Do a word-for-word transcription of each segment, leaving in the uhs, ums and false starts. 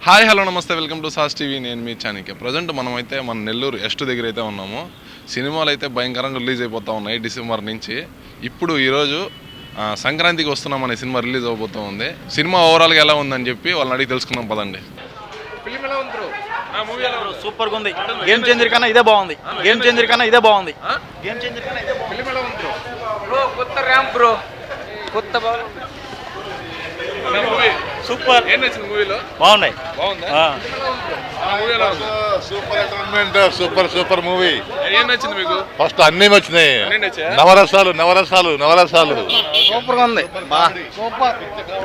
Hi hello నమస్తే welcome to సాస్ TV. నేను మీ చాణిక్య. ప్రజెంట్ మనమైతే మన నెల్లూరు ఎస్ట్ దగ్గర అయితే ఉన్నాము. సినిమాలు అయితే భయంకరంగా రిలీజ్ అయిపోతూ ఉన్నాయి డిసెంబర్ నుంచి. ఇప్పుడు ఈరోజు సంక్రాంతికి వస్తున్నాం అనే సినిమా రిలీజ్ అవబోతూ ఉంది. సినిమా ఓవరాల్గా ఎలా ఉందని చెప్పి వాళ్ళని అడిగి తెలుసుకుందాం పదండి. సూపర్ గా ఉంది. గేమ్ చేంజర్ కన్నా ఇదే బాగుంది. గేమ్ చేంజర్ కన్నా ఇదే బాగుంది. గేమ్ చేంజర్ కన్నా ఇదే బాగుంది. బ్రో కొత్త ర్యాంప్ బ్రో కొత్త సూపర్. ఏం నచ్చింది మూవీలో? బాగున్నాయి. బాగుందా? Super entertainment, super super movie. ఏం నచ్చింది మీకు? ఫస్ట్ అన్ని వచ్చినాయి. నవరసాలు నవరసాలు నవరసాలు సూపర్ గా ఉంది. Super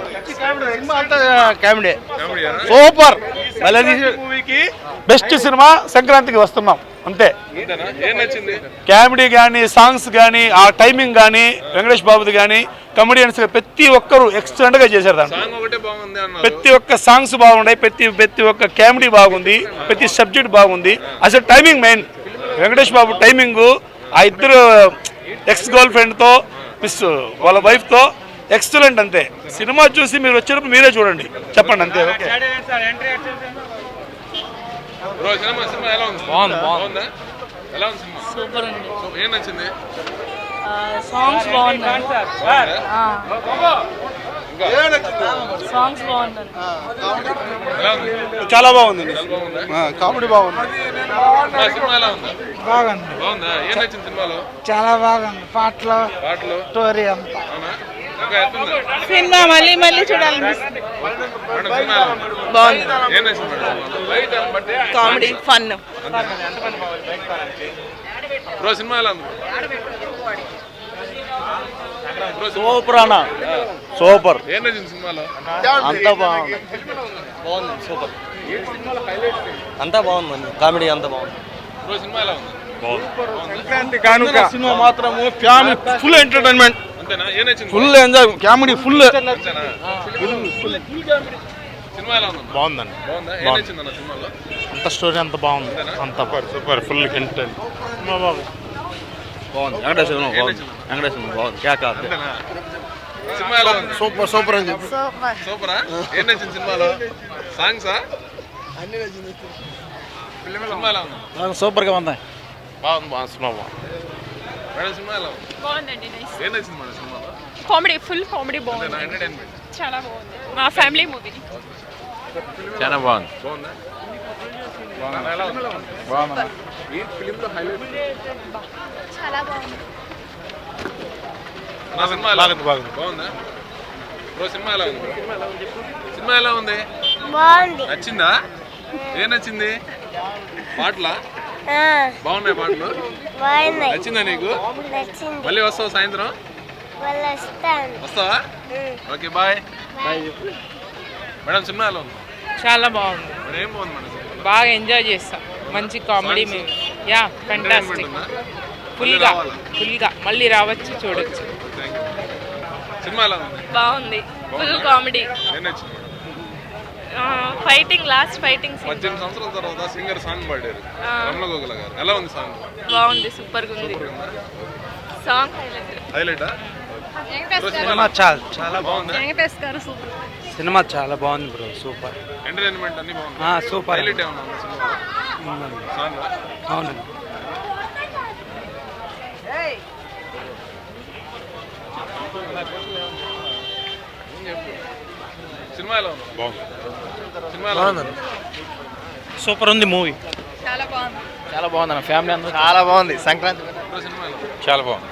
comedy super. మూవీకి బెస్ట్ సినిమా సంక్రాంతికి వస్తున్నాం అంతే. ఏం నచ్చింది? కామెడీ కానీ, సాంగ్స్ కానీ, ఆ టైమింగ్ కానీ, వెంకటేష్ బాబుది కానీ, కమెడియన్స్ ప్రతి ఒక్కరు ఎక్సలెంట్ గా చేశారు. దాంట్లో ప్రతి ఒక్క సాంగ్స్ బాగున్నాయి, ప్రతి ప్రతి ఒక్క కామెడీ బాగుంది, ప్రతి సబ్జెక్ట్ బాగుంది. అసలు timing main. Venkatesh Babu timing, ఆ ఇద్దరు ఎక్స్ గర్ల్ ఫ్రెండ్ తో మిస్ వాళ్ళ వైఫ్ తో ఎక్సలెంట్ అంతే. సినిమా చూసి మీరు వచ్చినప్పుడు మీరే చూడండి, చెప్పండి అంతే. ఓకే. సూపర్ ఉంది. ఏం నచ్చింది? సాంగ్స్ బాగున్నాయి. సాంగ్స్ బాగున్నాయి. చాలా బాగుంది. కామెడీ బాగుంది. బాగుంది. బాగుందా? ఏం నచ్చింది సినిమాలో? చాలా బాగుంది. పాటలు పాటలు స్టోరీ అంతా. సినిమా మళ్ళీ మళ్ళీ చూడాలనిపిస్తుంది. Comedy fun. బ్రో సినిమా ఎలా ఉంది? సూపర్ అన్న, సూపర్. ఏం నచ్చింది సినిమాలో? అంతా బాగుంది. బాగుంది. సూపర్. అంతా బాగుంది. కామెడీ అంతా బాగుంది. బ్రో సినిమా ఎలా ఉంది? సంక్రాంతి కానుక సినిమా మాత్రము ఫ్యామిలీ ఫుల్ ఎంటర్టైన్మెంట్. అంతేనా? ఏం నచ్చింది? Full enjoy, comedy full. సినిమా ఎలా ఉంది? బాగుందండి. బాగుందా? ఏం నచ్చింది అన్న సినిమాలో? అంత స్టోరీ అంత బాగుంది. అంత సూపర్ ఫుల్ ఎంటర్టైన్. బాగుంది. వెంకటేశ్వర వెంకటేశ్వర బాగుంది. అంతేనా? సినిమా ఎలా ఉంది? సూపర్ సూపర్ అని చెప్పి సూపరా? ఏం నచ్చింది సినిమాలో? సాంగ్సా? సినిమా ఎలా ఉంది? సూపర్ గా ఉంది. బాగుంది. బాగుంది. సినిమా బాగుంది. మేడం సినిమా ఎలా ఉంది? బాగుందండి. నైస్. ఏం నచ్చింది మేడం సినిమాలో? కామెడీ, ఫుల్ కామెడీ బాగుంది. ఎంటర్టైన్మెంట్ చాలా బాగుంది. మా ఫ్యామిలీ మూవీ. చాలా బాగుంది. బాగుందా? బాగుందా? ఎలా ఉంది? బాగుంది. ఈ ఫిలింలో హైలైట్ చాలా బాగుంది. నా సినిమా ఎలా ఉంది? బాగుంది. బాగుందా? బ్రో సినిమా ఎలా ఉంది? సినిమా ఎలా ఉంది? బాగుంది. నచ్చిందా? ఏం నచ్చింది? పాటలా? బాగున్నాయి పాటలు. నచ్చిందా నీకు? మళ్ళీ వస్తావు సాయంత్రం? వస్తావా? Okay bye. మేడం సినిమా ఎలా ఉంది? చాలా బాగుంది. మరి ఏం బాగుంది మేడం? బాగా ఎంజాయ్ చేస్తాం. మంచి కామెడీ మూవీ. Yeah fantastic. ఫుల్గా ఫుల్గా మళ్ళీ రావచ్చు, చూడొచ్చు. సినిమా ఎలా ఉంది? బాగుంది. Full comedy. ఏం నచ్చింది? Fighting, last fighting. పద్దెనిమిది సంవత్సరాల తర్వాత సింగర్ సాంగ్ పాడారు రమణ గోగుల గారు. ఎలా ఉంది సాంగ్? బాగుంది. సూపర్ గా ఉంది సాంగ్. హైలైటా? సినిమా చాలా చాలా బాగుంది. వెంకటేష్ గారు సూపర్. సినిమా చాలా బాగుంది బ్రో. సూపర్ ఎంటర్టైన్మెంట్ అన్ని బాగుంది. సూపర్. హైలైట్ ఏమన్నా ఉందా సినిమా? సాంగ్ అవునండి. సినిమా ఎలా ఉంది? బాగుంది. సినిమా ఎలా ఉంది? సూపర్ ఉంది మూవీ. చాలా బాగుంది. చాలా బాగుంది అన్న. ఫ్యామిలీ అందరూ చాలా బాగుంది. సంక్రాంతి సినిమా ఎలా ఉంది? చాలా బాగుంది.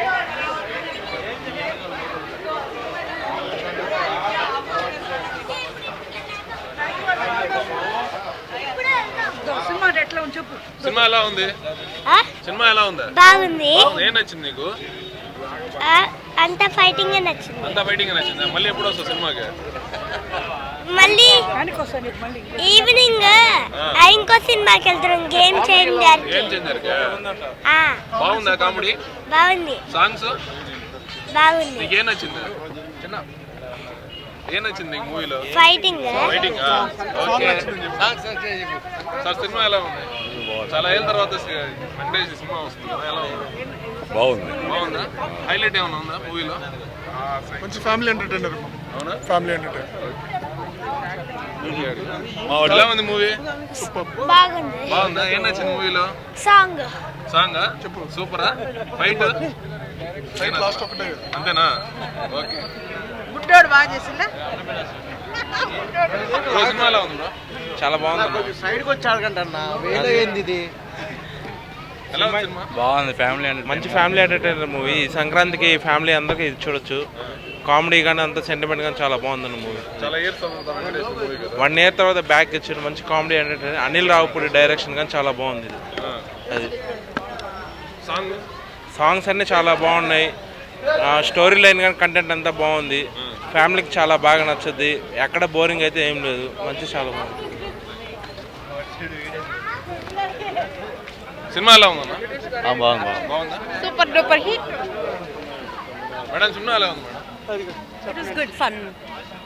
సినిమా ఎలా ఉంది? సినిమా ఎలా ఉంది? బాగుంది. ఏం నచ్చింది నీకు? అంత ఫైటింగ్ నచ్చింది. అంతా ఫైటింగ్ నచ్చిందా? మళ్ళీ ఎప్పుడు వస్తావు సినిమాకి? మళ్ళీ ఈవినింగ్ ఇంకో సినిమాకి వెళ్తున్నాం. Game changer. ఏం చేంజర్? ఆ బాగుందా కామెడీ? బాగుంది. సాంగ్స్ బాగుంది. నీకు ఏం నచ్చింది? ఏం నచ్చింది నీకు మూవీలో? ఫైటింగ్. ఫైటింగ్. సార్ సినిమా ఎలా ఉంది? చాలా ఏళ్ళ తర్వాత వెంకటేష్ సినిమా వస్తుంది. ఎలా ఉంది? బాగుంది. బాగుందా? హైలైట్ ఏమైనా ఉందా మూవీలో? మంచి ఫ్యామిలీ ఎంటర్టైనర్. అవునా? Family entertainer. ఎలా ఉంది మూవీ? బాగుంది. బాగుందా? ఏం నచ్చింది మూవీలో? సాంగ్ సాంగ్ చెప్పు. సూపరా? ఫైట్ అంతేనా? ఓకే. గుడ్డోడు బాగా చేసిందా? బ్రో సినిమా ఎలా ఉంది బ్రో? చాలా బాగుంది. సైడ్కి వచ్చి అడగండి వేలో ఏంది ఇది. ఎలా ఉంది సినిమా? బాగుంది. ఫ్యామిలీ మంచి ఫ్యామిలీ ఎంటర్టైనర్ మూవీ. సంక్రాంతికి ఫ్యామిలీ అందరికీ ఇది చూడొచ్చు. కామెడీ కానీ అంత సెంటిమెంట్ కానీ చాలా బాగుంది మూవీ. చాలా ఇయర్స్ అవుతుంది వెంకటేష్ మూవీ కదా. వన్ ఇయర్ తర్వాత బ్యాక్ ఇచ్చారు. మంచి comedy entertainer. Anil Ravipudi direction కానీ చాలా బాగుంది ఇది. అది సాంగ్ సాంగ్స్ అన్నీ చాలా బాగున్నాయి. స్టోరీ లైన్ కానీ కంటెంట్ అంతా బాగుంది. ఫ్యామిలీకి చాలా బాగా నచ్చుద్ది. ఎక్కడ బోరింగ్ అయితే ఏం లేదు. మంచి చాలా బాగుంది. సినిమా ఎలా ఉందన్నా? బాగుంది బాగుందా? Super duper hit. మేడం సినిమా ఎలా ఉంది madam? It was good fun.